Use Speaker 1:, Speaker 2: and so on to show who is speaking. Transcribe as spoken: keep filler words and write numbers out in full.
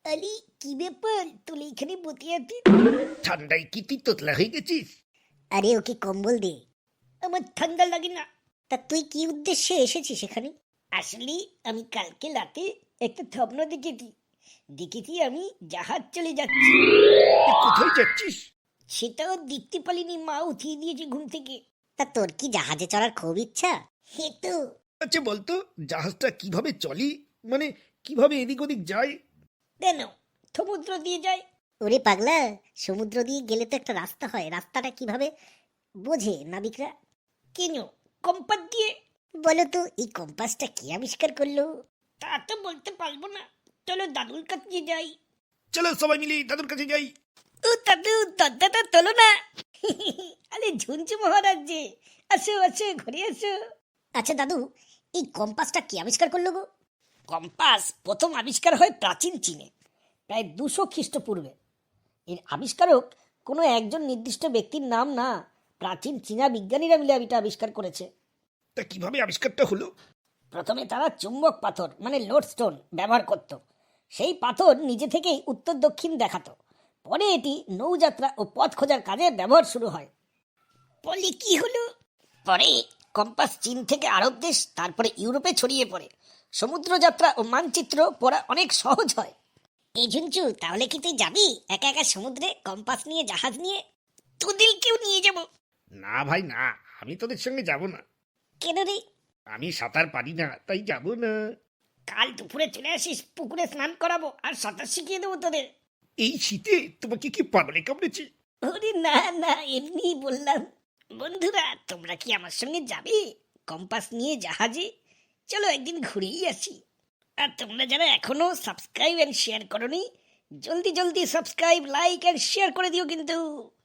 Speaker 1: আলি কি ব্যাপার তোলে এখানে বসে আছিস?
Speaker 2: ঠান্ডায় কি তুই তোতলা হয়ে গেছিস?
Speaker 1: আরে ওকে কম্বল দে। আমার ঠান্ডা লাগে না। তা তুই কি উদ্দেশ্যে এসেছিস এখানে? আসলে আমি কালকে রাতে একটা স্বপ্ন দেখেছি। দেখেছি আমি জাহাজ চলে যাচ্ছি।
Speaker 2: তুই কোথায় যাচ্ছিস?
Speaker 1: সেটাও দেখতে পারিনি, মা উঠিয়ে দিয়েছে ঘুম থেকে। তা তোর কি জাহাজে চড়ার খুব ইচ্ছা? হে তো।
Speaker 2: আচ্ছা বলতো, জাহাজটা কিভাবে চলি, মানে কিভাবে এদিক ওদিক যায়?
Speaker 1: কেন, সমুদ্র দিয়ে যায়। ওরে পাগলা, সমুদ্র দিয়ে গেলে তো একটা রাস্তা হয়, রাস্তাটা কিভাবে বোঝে নাবিকরা? কেন, কম্পাস দিয়ে। বলো তো এই কম্পাসটা কে আবিষ্কার করলো? তা তো বলতে পারবো না, চলো দাদুর কাছে যাই।
Speaker 2: চলো সবাই মিলে দাদুর কাছে যাই।
Speaker 1: ও দাদু, দরজাটা তোলো না। আরে ঝুনঝু মহারাজ যে, আসো আসো ঘরে আসো। আচ্ছা দাদু, এই কম্পাসটা কে আবিষ্কার করলো গো? কম্পাস প্রথম আবিষ্কার হয় প্রাচীন চীনে, প্রায় দুশো খ্রিস্টপূর্বে। এর আবিষ্কারক কোনো একজন নির্দিষ্ট ব্যক্তির নাম না, প্রাচীন চীনা বিজ্ঞানীরা মিলে এটা আবিষ্কার করেছে।
Speaker 2: তা কিভাবে আবিষ্কারটা হলো?
Speaker 1: প্রথমে তারা চুম্বক পাথর মানে লোডস্টোন ব্যবহার করত। সেই পাথর নিজে থেকেই উত্তর দক্ষিণ দেখাতো। পরে এটি নৌযাত্রা ও পথ খোঁজার কাজে ব্যবহার শুরু হয়। পরে কি হলো? পরে কম্পাস চীন থেকে আরব দেশ, তারপরে ইউরোপে ছড়িয়ে পড়ে। সমুদ্র যাত্রা ও মানচিত্র পড়া অনেক সহজ হয়। এই ঝুনচু, তাহলে কি তুই যাবি একা একা সমুদ্রে কম্পাস নিয়ে, জাহাজ নিয়ে? তোদেরকেও নিয়ে যাব।
Speaker 2: না ভাই না, আমি তোদের সঙ্গে যাব না।
Speaker 1: কেন রে?
Speaker 2: আমি সাঁতার পারি না, তাই যাব না।
Speaker 1: কাল দুপুরে চলে আসিস, পুকুরে স্নান করাবো আর সাঁতার শিখিয়ে দেবো তোদের।
Speaker 2: এই শীতে তোমাকে কি পাগলে কামড়েছে?
Speaker 1: ওরে না না, এমনি বললাম। বন্ধুরা, তোমরা কি আমার সঙ্গে যাবে কম্পাস নিয়ে জাহাজে? চলো একদিন ঘুরেই আসি। আর তোমরা যারা এখনো সাবস্ক্রাইব এন্ড শেয়ার করোনি, জলদি জলদি সাবস্ক্রাইব, লাইক এন্ড শেয়ার করে দিও কিন্তু।